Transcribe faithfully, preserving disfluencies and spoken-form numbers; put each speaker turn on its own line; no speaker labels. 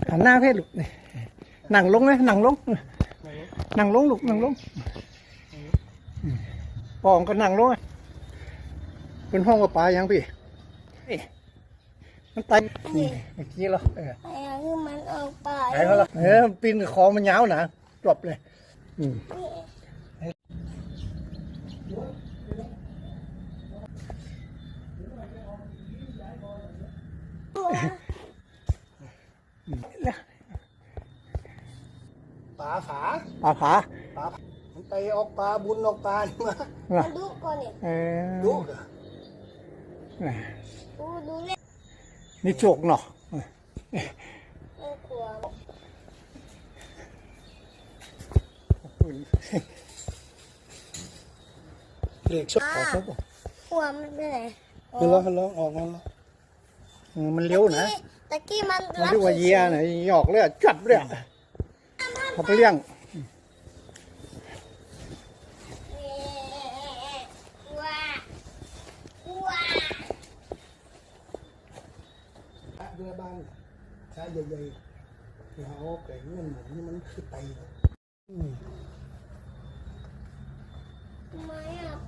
หันหน้าเพศลูกหนังลงเลยหนังลงหนังลงลูกหนังลงปองก็หนังลงเป็นห้องกับปลายังพี่มันไตนี่เมื่อกี้เหรอเออ
ไอ้คือมันออกไป
ไอ้เขาละเออปีนกับคอมันยาวหนาจบเลยอืมปลาฝาปลาฝาปลามันไปออกปลาบุญออกปลานี่มา
มาดูก่อนเนี่ย
เออ
ดูดูเนี่ย
นี่โจกเนาะ
น่ากลัว
เล็กชกออกชก
หัวมันไปไหน
มันร้องมันร้องออกมันร้องมันเลี้ยวนะ
ตะกี้มัน
มันเรียกว่าเยียนะหยอกเลยจัดเลยเขาไปเลี้ยง
ว้าว้า
เรือบ้านใช้ใหญ่ๆเขาแก่เงินเหมือนนี่มันคือไต
ทำไมอ่ะ